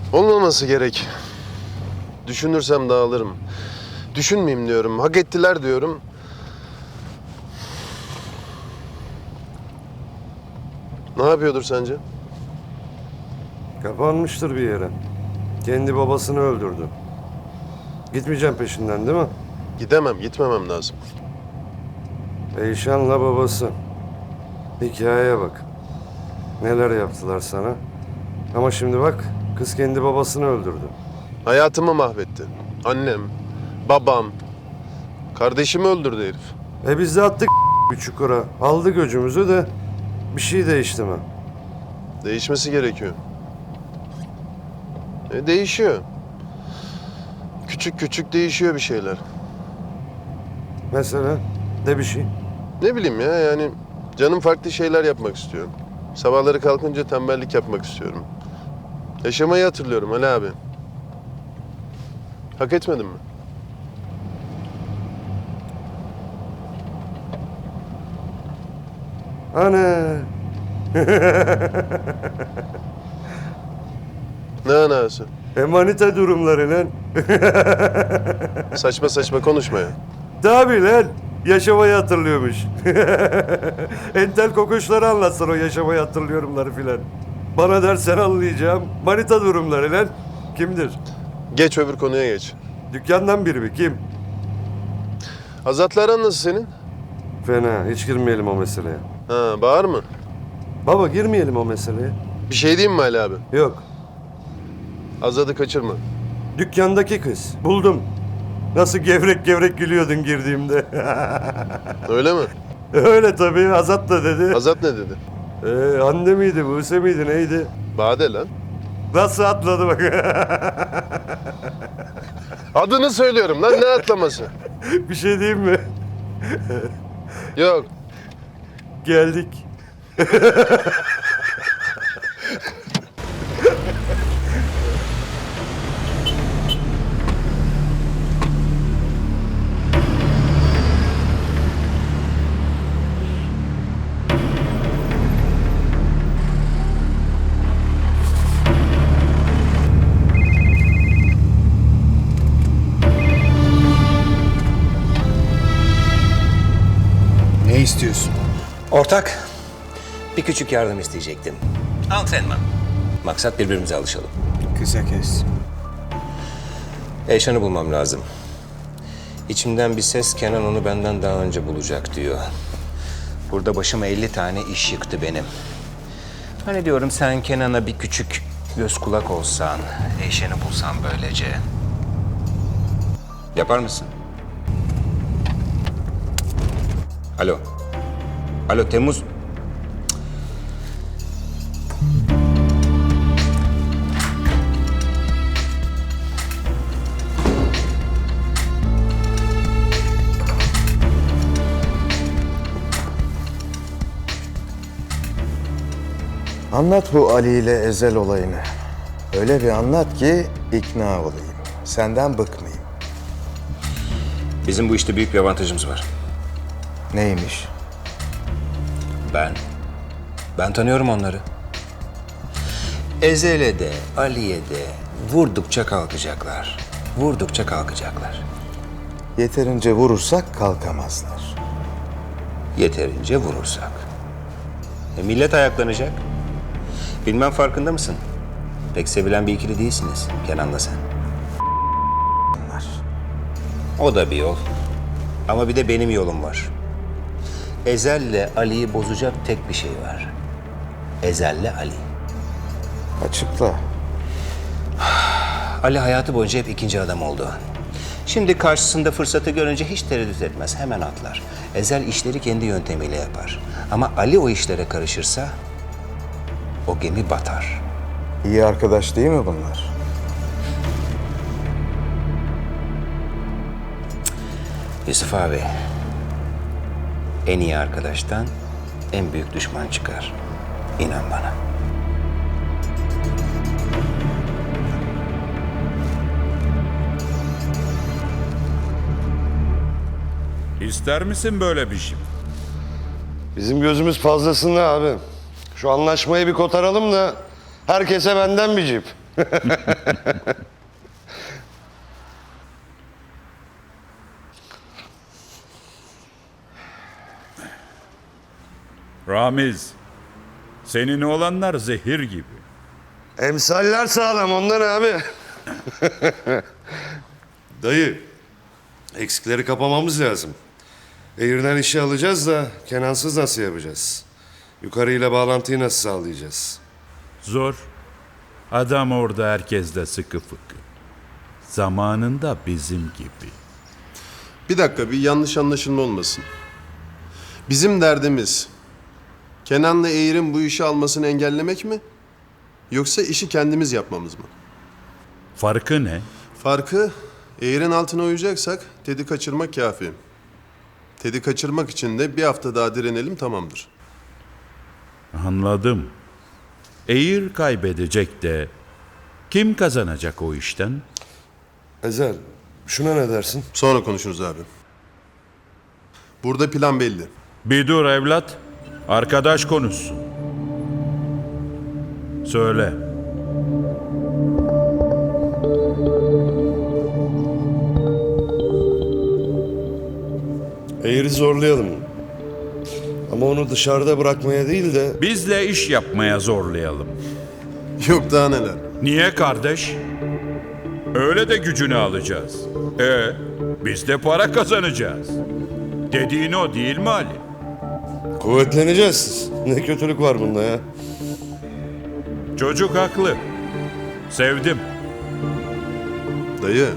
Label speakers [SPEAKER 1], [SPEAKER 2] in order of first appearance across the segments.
[SPEAKER 1] Olmaması gerek. Düşünürsem dağılırım. Düşünmeyeyim diyorum. Hak ettiler diyorum. Ne yapıyordur sence?
[SPEAKER 2] Kapanmıştır bir yere. Kendi babasını öldürdü. Gitmeyeceğim peşinden değil mi?
[SPEAKER 1] Gidemem, gitmemem lazım.
[SPEAKER 2] Eyşan'la babası. Hikayeye bak. Neler yaptılar sana. Ama şimdi bak, kız kendi babasını öldürdü.
[SPEAKER 1] Hayatımı mahvetti. Annem, babam, kardeşimi öldürdü herif.
[SPEAKER 2] Biz de attık bir çukura. Aldı göcümüzü de bir şey değişti mi?
[SPEAKER 1] Değişmesi gerekiyor. Değişiyor. Küçük küçük değişiyor bir şeyler.
[SPEAKER 2] Mesela de bir şey.
[SPEAKER 1] Ne bileyim ya, yani canım farklı şeyler yapmak istiyorum. Sabahları kalkınca tembellik yapmak istiyorum. Yaşamayı hatırlıyorum Ali abi. Hak etmedim mi?
[SPEAKER 2] Ana.
[SPEAKER 1] Ne anası?
[SPEAKER 2] Manita durumları lan.
[SPEAKER 1] Saçma saçma konuşma ya.
[SPEAKER 2] Tabii lan. Yaşamayı hatırlıyormuş. Entel kokuşları anlatsın o yaşamayı hatırlıyorumları filan. Bana dersen anlayacağım. Manita durumları lan. Kimdir?
[SPEAKER 1] Geç öbür konuya geç.
[SPEAKER 2] Dükkandan biri mi? Kim?
[SPEAKER 1] Azat'la aran nasıl senin?
[SPEAKER 2] Fena. Hiç girmeyelim o meseleye.
[SPEAKER 1] Ha, bağır mı?
[SPEAKER 2] Baba girmeyelim o meseleye.
[SPEAKER 1] Bir şey diyeyim mi Ali abi?
[SPEAKER 2] Yok.
[SPEAKER 1] Azat'ı kaçırma.
[SPEAKER 2] Dükkandaki kız. Buldum. Nasıl gevrek gevrek gülüyordun girdiğimde.
[SPEAKER 1] Öyle mi?
[SPEAKER 2] Öyle tabii. Azat da dedi.
[SPEAKER 1] Azat ne dedi?
[SPEAKER 2] Anne miydi, Buse miydi, neydi?
[SPEAKER 1] Bade lan.
[SPEAKER 2] Nasıl atladı bak.
[SPEAKER 1] Adını söylüyorum lan, ne atlaması?
[SPEAKER 2] Bir şey diyeyim mi?
[SPEAKER 1] Yok.
[SPEAKER 2] Geldik.
[SPEAKER 3] Ne istiyorsun?
[SPEAKER 4] Ortak, bir küçük yardım isteyecektim. Antrenman. Maksat birbirimize alışalım.
[SPEAKER 3] Kısa kes.
[SPEAKER 4] Eyşan'ı bulmam lazım. İçimden bir ses Kenan onu benden daha önce bulacak diyor. Burada başıma 50 tane iş yıktı benim. Hani diyorum sen Kenan'a bir küçük göz kulak olsan, Eyşan'ı bulsan böylece. Yapar mısın? Alo. Alo Temmuz.
[SPEAKER 3] Anlat bu Ali ile Ezel olayını. Öyle bir anlat ki ikna olayım. Senden bıkmayayım.
[SPEAKER 4] Bizim bu işte büyük bir avantajımız var.
[SPEAKER 3] Neymiş?
[SPEAKER 4] Ben tanıyorum onları. Ezel'e de, Ali'ye de vurdukça kalkacaklar. Vurdukça kalkacaklar.
[SPEAKER 3] Yeterince vurursak kalkamazlar.
[SPEAKER 4] Yeterince vurursak. Millet ayaklanacak. Bilmem farkında mısın? Pek sevilen bir ikili değilsiniz Kenan'la sen.
[SPEAKER 3] Onlar.
[SPEAKER 4] O da bir yol. Ama bir de benim yolum var. Ezel'le Ali'yi bozacak tek bir şey var. Ezel'le Ali.
[SPEAKER 3] Açıkla.
[SPEAKER 4] Ali hayatı boyunca hep ikinci adam oldu. Şimdi karşısında fırsatı görünce hiç tereddüt etmez, hemen atlar. Ezel işleri kendi yöntemiyle yapar. Ama Ali o işlere karışırsa o gemi batar.
[SPEAKER 3] İyi arkadaş değil mi bunlar?
[SPEAKER 4] Yusuf abi, en iyi arkadaştan en büyük düşman çıkar. İnan bana.
[SPEAKER 5] İster misin böyle bir şey?
[SPEAKER 2] Bizim gözümüz fazlasında abi. Şu anlaşmayı bir kotaralım da herkese benden bir cip.
[SPEAKER 5] Ramiz, senin oğlanlar zehir gibi.
[SPEAKER 2] Emsaller sağlam ondan abi. Dayı, eksikleri kapamamız lazım. Eğirden işi alacağız da Kenansız nasıl yapacağız? Yukarıyla bağlantıyı nasıl sağlayacağız?
[SPEAKER 5] Zor. Adam orada herkesle sıkı fıkı. Zamanında bizim gibi.
[SPEAKER 1] Bir dakika, bir yanlış anlaşılma olmasın. Bizim derdimiz Kenan'la Eğir'in bu işi almasını engellemek mi? Yoksa işi kendimiz yapmamız mı?
[SPEAKER 5] Farkı ne?
[SPEAKER 1] Farkı, Eğir'in altına uyacaksak Ted'i kaçırmak kafi. Ted'i kaçırmak için de bir hafta daha direnelim, tamamdır.
[SPEAKER 5] Anladım. Eğir kaybedecek de kim kazanacak o işten?
[SPEAKER 2] Ezel, şuna ne dersin?
[SPEAKER 1] Sonra konuşuruz abi. Burada plan belli.
[SPEAKER 5] Bir dur evlat. Arkadaş konuşsun. Söyle.
[SPEAKER 2] Eğri zorlayalım. Ama onu dışarıda bırakmaya değil de...
[SPEAKER 5] Bizle iş yapmaya zorlayalım.
[SPEAKER 1] Yok daha neler.
[SPEAKER 5] Niye kardeş? Öyle de gücünü alacağız. Biz de para kazanacağız. Dediğin o değil mi Ali?
[SPEAKER 2] Kuvvetleneceğiz. Ne kötülük var bunda ya?
[SPEAKER 5] Çocuk haklı. Sevdim.
[SPEAKER 1] Dayı,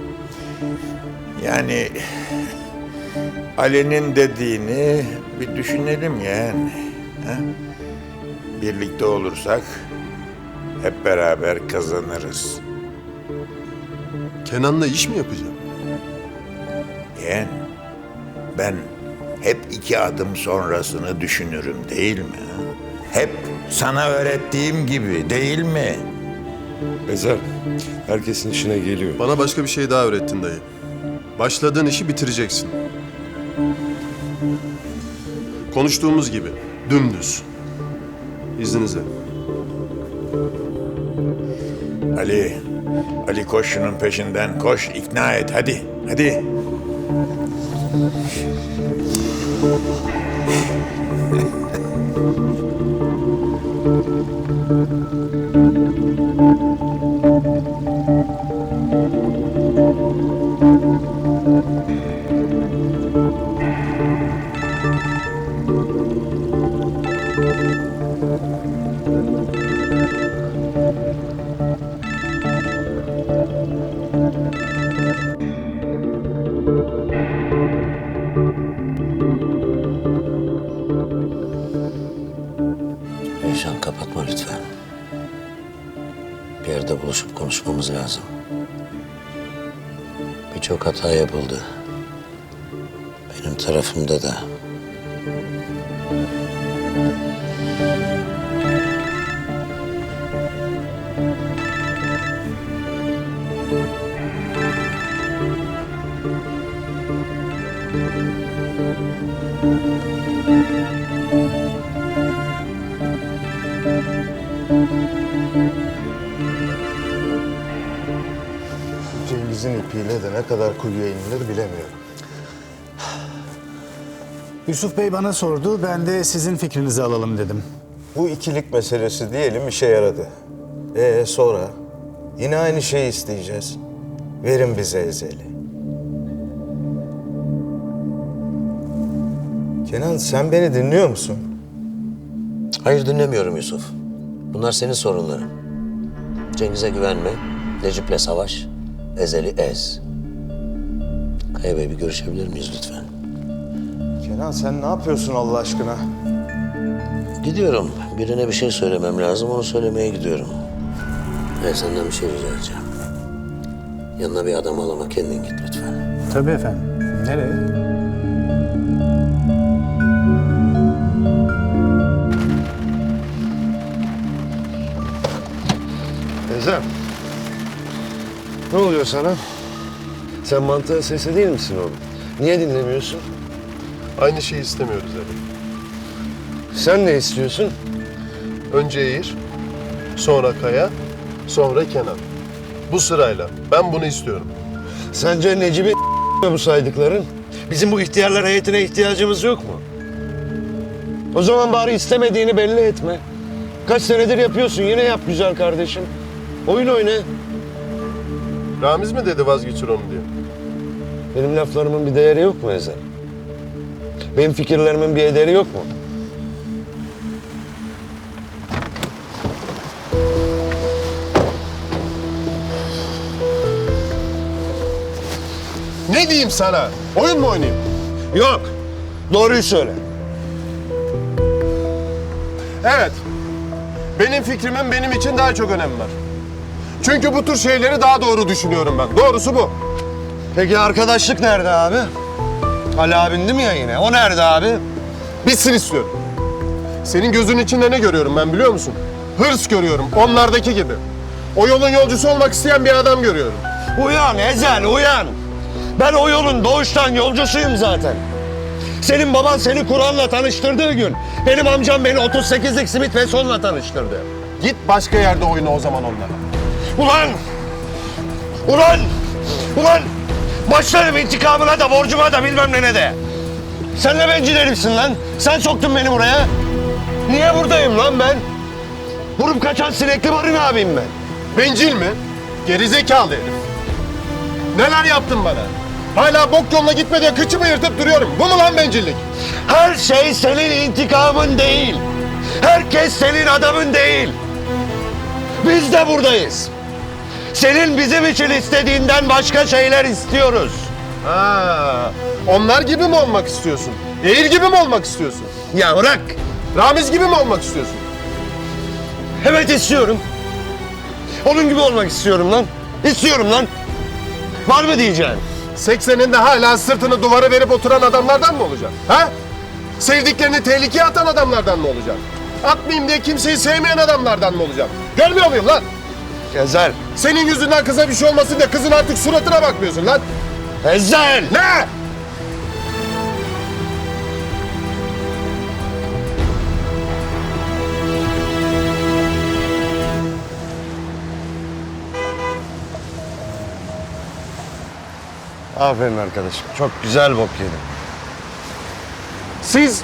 [SPEAKER 6] Yani Ali'nin dediğini bir düşünelim yani. Ha? Birlikte olursak hep beraber kazanırız.
[SPEAKER 1] Kenan'la iş mi yapacağım?
[SPEAKER 6] Yani ben hep 2 adım sonrasını düşünürüm değil mi? ha? Hep sana öğrettiğim gibi değil mi?
[SPEAKER 2] Ezel, herkesin işine geliyor.
[SPEAKER 1] Bana başka bir şey daha öğrettin dayı. Başladığın işi bitireceksin. Konuştuğumuz gibi, dümdüz. İzninizle.
[SPEAKER 6] Ali koş şunun peşinden koş ikna et hadi.
[SPEAKER 7] Eyşan kapatma lütfen. Bir yerde buluşup konuşmamız lazım. Birçok hata yapıldı. Benim tarafımda da.
[SPEAKER 3] Cengiz'in ipiyle de ne kadar kuyuya inilir bilemiyorum.
[SPEAKER 8] Yusuf Bey bana sordu, ben de sizin fikrinizi alalım dedim.
[SPEAKER 3] Bu ikilik meselesi diyelim işe yaradı. Sonra? Yine aynı şeyi isteyeceğiz. Verin bize Ezel'i. Kenan sen beni dinliyor musun?
[SPEAKER 7] Hayır dinlemiyorum Yusuf. Bunlar senin sorunların. Cengiz'e güvenme, Necip'le savaş, Ezel'i ez. Kaya Bey bir görüşebilir miyiz lütfen?
[SPEAKER 3] Kenan sen ne yapıyorsun Allah aşkına?
[SPEAKER 7] Gidiyorum. Birine bir şey söylemem lazım, onu söylemeye gidiyorum. Senden bir şey rica edeceğim. Yanına bir adam al ama kendin git lütfen.
[SPEAKER 8] Tabii efendim. Nereye?
[SPEAKER 2] Ezel, ne oluyor sana? Sen mantığın sesi değil misin oğlum? Niye dinlemiyorsun?
[SPEAKER 1] Aynı şeyi istemiyoruz abi.
[SPEAKER 2] Sen ne istiyorsun?
[SPEAKER 1] Önce Eğir, sonra Kaya, sonra Kenan. Bu sırayla. Ben bunu istiyorum.
[SPEAKER 2] Sence Necip'in bu saydıkların? Bizim bu ihtiyarlar heyetine ihtiyacımız yok mu? O zaman bari istemediğini belli etme. Kaç senedir yapıyorsun, yine yap güzel kardeşim. Oyun oyna.
[SPEAKER 1] Ramiz mi dedi vazgeçir onu diye?
[SPEAKER 2] Benim laflarımın bir değeri yok mu Ezel? Benim fikirlerimin bir ederi yok mu?
[SPEAKER 1] Ne diyeyim sana? Oyun mu oynayayım?
[SPEAKER 2] Yok. Doğruyu söyle.
[SPEAKER 1] Evet. Benim fikrimin benim için daha çok önemi var. Çünkü bu tür şeyleri daha doğru düşünüyorum ben. Doğrusu bu.
[SPEAKER 2] Peki arkadaşlık nerede abi? Ali abin değil mi ya yine? O nerede abi?
[SPEAKER 1] Bitsin istiyorum. Senin gözünün içinde ne görüyorum ben biliyor musun? Hırs görüyorum. Onlardaki gibi. O yolun yolcusu olmak isteyen bir adam görüyorum.
[SPEAKER 2] Uyan Ezel, uyan. Ben o yolun doğuştan yolcusuyum zaten. Senin baban seni Kur'an'la tanıştırdığı gün benim amcam beni 38'lik Smith & Wesson'la tanıştırdı.
[SPEAKER 1] Git başka yerde oyna o zaman onlara.
[SPEAKER 2] Ulan! Ulan! Ulan! Başlarım intikamına da borcuma da bilmem ne de. Sen ne bencil herifsin lan? Sen soktun beni buraya. Niye buradayım lan ben? Vurup kaçan sinekli barın abiyim ben.
[SPEAKER 1] Bencil mi? Gerizekalı herif. Neler yaptın bana? Hala bok yoluna gitme diye kıçımı yırtıp duruyorum. Bu mu lan bencillik?
[SPEAKER 2] Her şey senin intikamın değil. Herkes senin adamın değil. Biz de buradayız. Senin bizim için istediğinden başka şeyler istiyoruz.
[SPEAKER 1] Ha, onlar gibi mi olmak istiyorsun? Eğir gibi mi olmak istiyorsun?
[SPEAKER 2] Ya bırak.
[SPEAKER 1] Ramiz gibi mi olmak istiyorsun?
[SPEAKER 2] Evet istiyorum. Onun gibi olmak istiyorum lan. İstiyorum lan. Var mı diyeceksin?
[SPEAKER 1] 80'inde hala sırtını duvara verip oturan adamlardan mı olacak? Ha? Sevdiklerini tehlikeye atan adamlardan mı olacak? Atmayayım diye kimseyi sevmeyen adamlardan mı olacak? Görmüyor muyum lan?
[SPEAKER 2] Ezel.
[SPEAKER 1] Senin yüzünden kıza bir şey olmasın diye kızın artık suratına bakmıyorsun lan.
[SPEAKER 2] Ezel.
[SPEAKER 1] Ne?
[SPEAKER 2] Aferin arkadaşım. Çok güzel bok yedin.
[SPEAKER 1] Siz...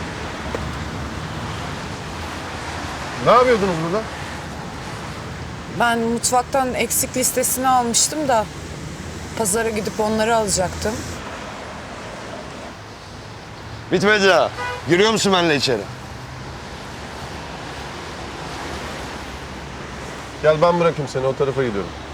[SPEAKER 1] Ne yapıyordunuz burada?
[SPEAKER 9] Ben mutfaktan eksik listesini almıştım da pazara gidip onları alacaktım.
[SPEAKER 2] Bitmedi daha. Giriyor musun benimle içeri?
[SPEAKER 1] Gel ben bırakayım seni, o tarafa gidiyorum.